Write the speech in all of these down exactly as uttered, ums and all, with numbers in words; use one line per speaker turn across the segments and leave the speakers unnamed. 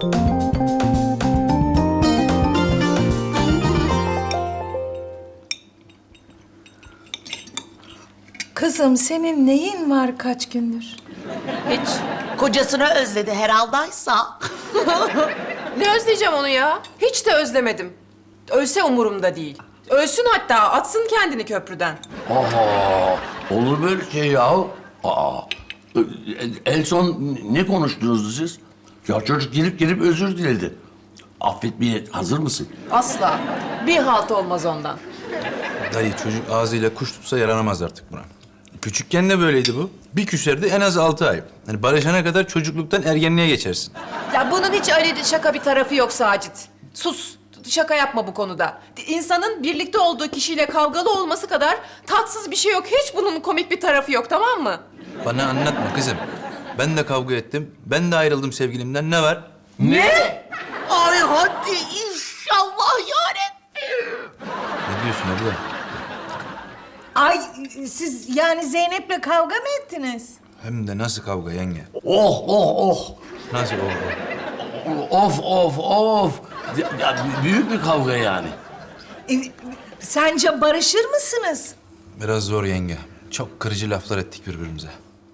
Kızım senin neyin var kaç gündür?
Hiç. Kocasını özledi herhaldaysa.
Ne özleyeceğim onu ya? Hiç de özlemedim. Ölse umurumda değil. Ölsün hatta, atsın kendini köprüden.
Aha, olur böyle şey ya. Aa, en son ne konuştunuz siz? Ya çocuk gelip gelip özür diledi. Affetmeye hazır mısın?
Asla. Bir halt olmaz ondan.
Dayı çocuk ağzıyla kuş tutsa yaranamaz artık buna. Küçükken de böyleydi bu. Bir küserdi en az altı ay. Hani barışana kadar çocukluktan ergenliğe geçersin.
Ya bunun hiç öyle şaka bir tarafı yok Sacit. Sus. Şaka yapma bu konuda. İnsanın birlikte olduğu kişiyle kavgalı olması kadar tatsız bir şey yok. Hiç bunun komik bir tarafı yok, tamam mı?
Bana anlatma kızım. Ben de kavga ettim. Ben de ayrıldım sevgilimden. Ne var?
Ne?
Ay hadi inşallah yarabbim.
Ne diyorsun abla?
Ay siz yani Zeynep'le kavga mı ettiniz?
Hem de nasıl kavga yenge?
Oh oh oh.
Nasıl o?
Of of of. Ya, ya, büyük bir kavga yani.
E, sence barışır mısınız?
Biraz zor yenge. Çok kırıcı laflar ettik birbirimize.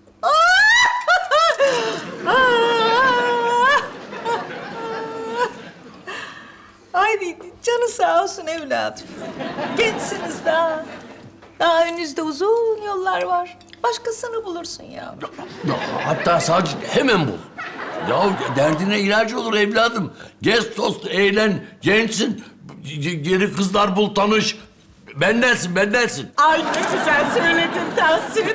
Ay canı sağ olsun evladım. Gençsiniz daha. Daha önünüzde uzun yollar var. Başkasını bulursun ya.
Ya, hatta sadece hemen bul. Ya derdine ilacı olur evladım. Gez tost, eğlen, gençsin. G- Geri kızlar bul, tanış. Bendensin, bendensin.
Ay ne güzel söyledin Tahsin.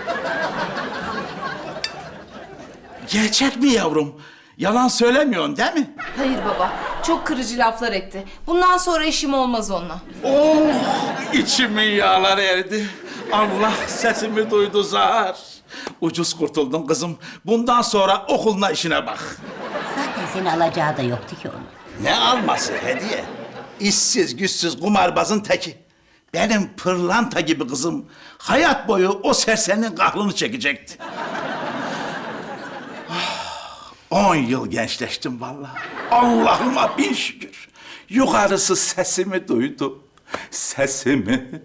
Gerçek mi yavrum? Yalan söylemiyorsun değil mi?
Hayır baba, çok kırıcı laflar etti. Bundan sonra işim olmaz onunla.
Oh, içimin yağları eridi. Allah sesimi duydu zar. Ucuz kurtuldun kızım. Bundan sonra okuluna işine bak.
Zaten seni alacağı da yoktu ki onun.
Ne alması hediye? İşsiz, güçsüz, kumarbazın teki. Benim pırlanta gibi kızım hayat boyu o serserinin kahrını çekecekti. Ah, On yıl gençleştim vallahi. Allah'ıma bin şükür. Yukarısı sesimi duydu. Sesimi.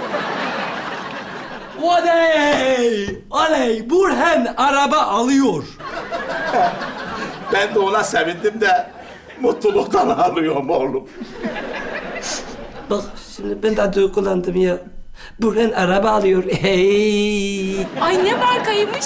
Oley! Oley! Burhan araba alıyor.
Ben de ona sevindim de mutluluktan ağlıyorum oğlum.
Bak şimdi ben de duygulandım ya. Burhan araba alıyor. Hey!
Ay ne markaymış?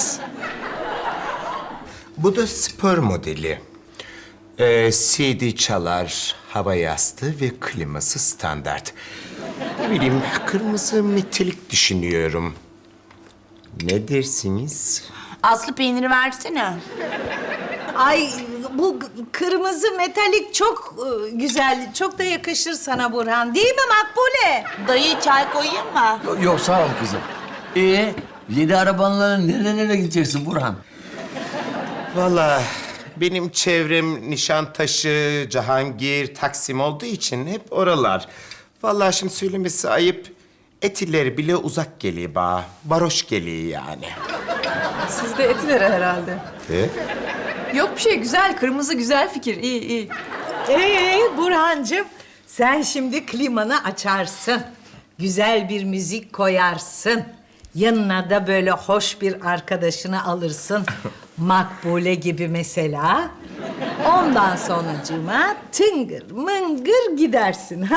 Bu da spor modeli. Ee, C D çalar, hava yastığı ve kliması standart. Ne bileyim, kırmızı metalik düşünüyorum. Ne dersiniz?
Aslı peyniri versene.
Ay bu g- kırmızı metalik çok e, güzel. Çok da yakışır sana Burhan. Değil mi Makbule?
Dayı çay koyayım mı?
Yok, yok sağ ol kızım. Ee, yeni arabanla nereye nereye gideceksin Burhan?
Vallahi benim çevrem Nişantaşı, Cihangir, Taksim olduğu için hep oralar. Vallahi şimdi söylemesi ayıp. Etileri bile uzak geliyor bana. Varoş geliyor yani.
Siz de etilere herhalde.
E?
Yok bir şey, güzel. Kırmızı güzel fikir. İyi, iyi.
Ee Burhancığım sen şimdi klimanı açarsın. Güzel bir müzik koyarsın. Yanına da böyle hoş bir arkadaşını alırsın. Makbule gibi mesela. Ondan sonracığıma tıngır mıngır gidersin ha?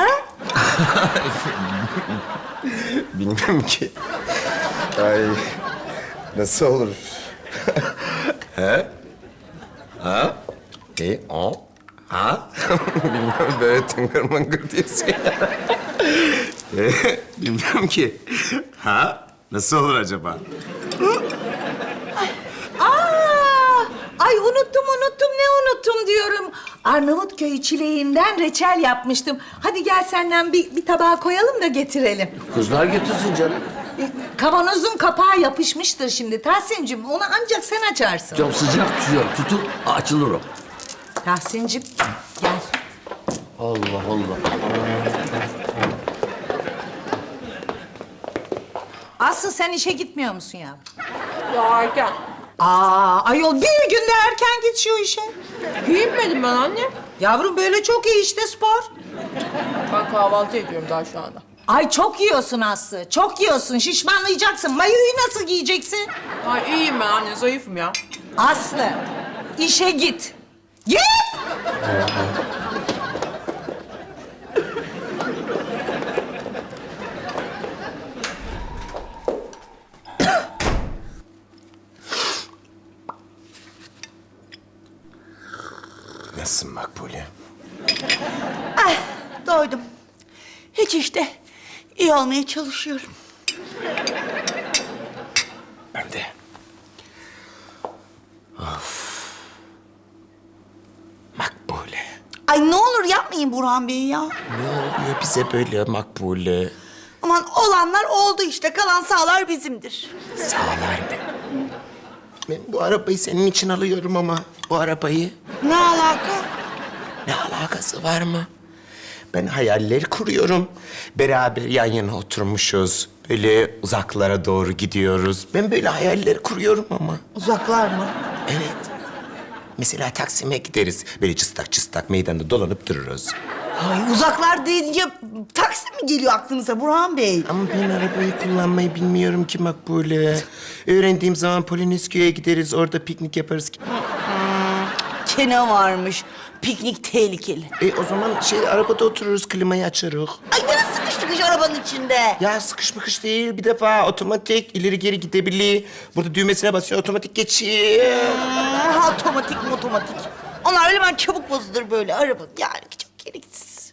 Bilmem ki. Ay, nasıl olur? He? Ha? E, o? Ha? Bilmem, böyle tıngır mıngır diyorsun ya. E, bilmem ki. Ha? Nasıl olur acaba?
Aa, ay unuttum unuttum ne unuttum diyorum. Arnavutköy çileğinden reçel yapmıştım. Hadi gel senden bir, bir tabağa koyalım da getirelim.
Kızlar getirsin canım.
E, Kavanozun kapağı yapışmıştır şimdi Tahsin'cim. Onu ancak sen açarsın.
Çok sıcak tutuyor. Tutup açılır o.
Tahsin'cim gel.
Allah Allah.
Aslı sen işe gitmiyor musun ya?
Ya erken.
Aa ayol bir günde erken git şu işe.
Giyinmedim ben anne.
Yavrum böyle çok iyi işte spor.
Ben kahvaltı ediyorum daha şu anda.
Ay çok yiyorsun Aslı. Çok yiyorsun. Şişmanlayacaksın. Mayoyu nasıl giyeceksin?
Ay iyiyim ben anne, zayıfım ya.
Aslı işe git. Git!
Nasılsın Makbule?
Doydum. Hiç işte. İyi olmaya çalışıyorum.
Ben de. Of. Makbule.
Ay ne olur yapmayın Burhan Bey ya.
Ne oluyor bize böyle Makbule?
Aman olanlar oldu işte. Kalan sağlar bizimdir.
Sağlar mı? Ben bu arabayı senin için alıyorum ama bu arabayı
Ne alaka?
ne alakası var mı? Ben hayaller kuruyorum. Beraber yan yana oturmuşuz. Böyle uzaklara doğru gidiyoruz. Ben böyle hayaller kuruyorum ama.
Uzaklar mı?
Evet. Mesela Taksim'e gideriz. Böyle cıstak cıstak meydanda dolanıp dururuz.
Ay uzaklar deyince Taksim mi geliyor aklınıza Burhan Bey?
Ama ben arabayı kullanmayı bilmiyorum ki Makbule. Öğrendiğim zaman Polonezköy'e gideriz. Orada piknik yaparız.
Kene varmış. Piknik tehlikeli.
E o zaman şey arabada otururuz, klimayı açarız.
Ay yine sıkıştık iş arabanın içinde.
Ya sıkış mıkış değil. Bir defa otomatik ileri geri gidebilir. Burada düğmesine basıyor, otomatik geçiyor.
Hmm, otomatik mi otomatik? Onlar öyle ben çabuk bozulur böyle araba. Yani çok gereksiz.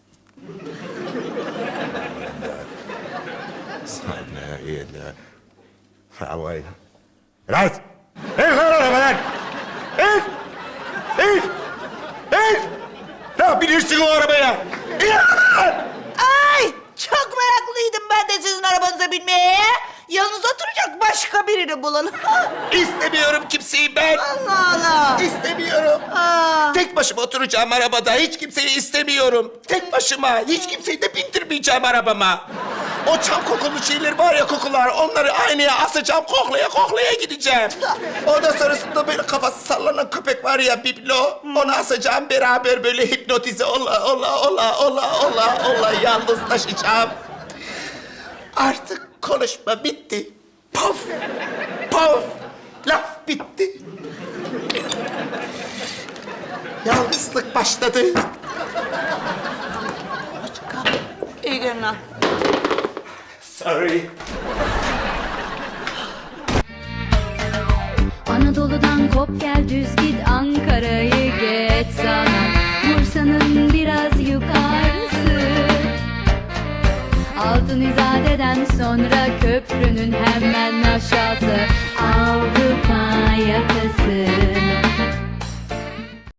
Sana yine. Ha vay. Right. İn lan arabadan. İn. İn. İn. Ya bilirsin o arabaya. İn lan.
Ay çok meraklıydım ben de sizin arabanıza binmeye. Yalnız oturacak başka birini bulun.
İstemiyorum kimseyi ben.
Allah Allah.
İstemiyorum.
Aa.
Tek başıma oturacağım arabada. Hiç kimseyi istemiyorum. Tek başıma. Hiç kimseyi de bindirmeyeceğim arabama. O çam kokulu şeyler var ya kokular. Onları aynaya asacağım. Koklaya koklaya gideceğim. Ondan sonrasında böyle kafası sallanan köpek var ya biblo. Onu asacağım beraber böyle hipnotize ola ola ola ola ola ola yalnızlaşacağım. Artık konuşma bitti. Paf! Paf! Laf bitti. Yalnızlık başladı.
İyi günler.
Sorry.
Anadolu'dan kop gel düz git Ankara'yı geç sana Bursa'nın biraz yukarısı Altın İzade'den sonra köprünün hemen aşağısı